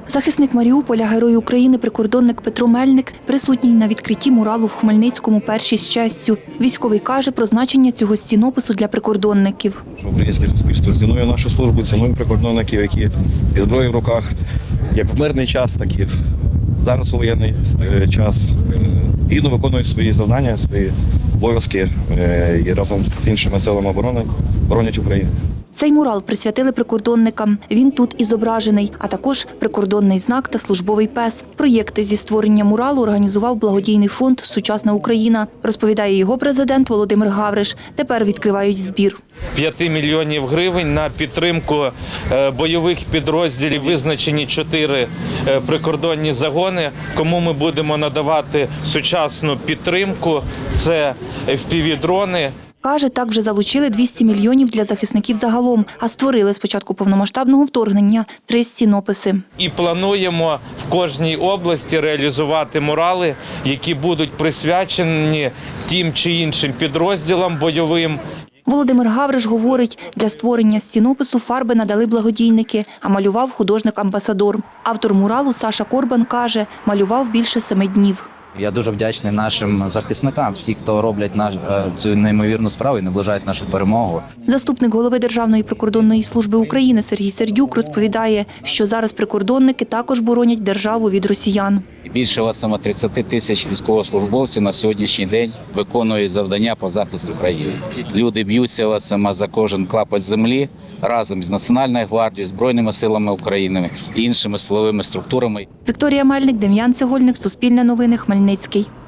Захисник Маріуполя, Герой України, прикордонник Петро Мельник присутній на відкритті муралу в Хмельницькому «Перші з честю». Військовий каже про значення цього стінопису для прикордонників. Українське суспільство цінує нашу службу, цінує прикордонників, які зі зброєю в руках, як в мирний час, так і зараз у воєнний час, гідно виконують свої завдання, свої обов'язки і разом з іншими силами оборони боронять Україну. Цей мурал присвятили прикордонникам. Він тут і зображений, а також прикордонний знак та службовий пес. Проєкти зі створення муралу організував благодійний фонд «Сучасна Україна», розповідає його президент Володимир Гавриш. Тепер відкривають збір. 5 мільйонів гривень на підтримку бойових підрозділів визначені 4 прикордонні загони, кому ми будемо надавати сучасну підтримку. Це FPV-дрони. Каже, так вже залучили 200 мільйонів для захисників загалом, а створили з початку повномасштабного вторгнення 3 стінописи. І плануємо в кожній області реалізувати мурали, які будуть присвячені тим чи іншим підрозділам бойовим. Володимир Гавриш говорить, для створення стінопису фарби надали благодійники, а малював художник-амбасадор. Автор муралу Саша Корбан каже, малював більше 7 днів. Я дуже вдячний нашим захисникам, всі, хто роблять цю неймовірну справу і наближають нашу перемогу. Заступник голови Державної прикордонної служби України Сергій Сердюк розповідає, що зараз прикордонники також боронять державу від росіян. Більше 30 тисяч військовослужбовців на сьогоднішній день виконують завдання по захисту країни. Люди б'ються за кожен клапоть землі разом з Національною гвардією, Збройними силами України і іншими силовими структурами. Вікторія Мельник, Дем'ян Цегольник, Суспільне новини, Хмельницький.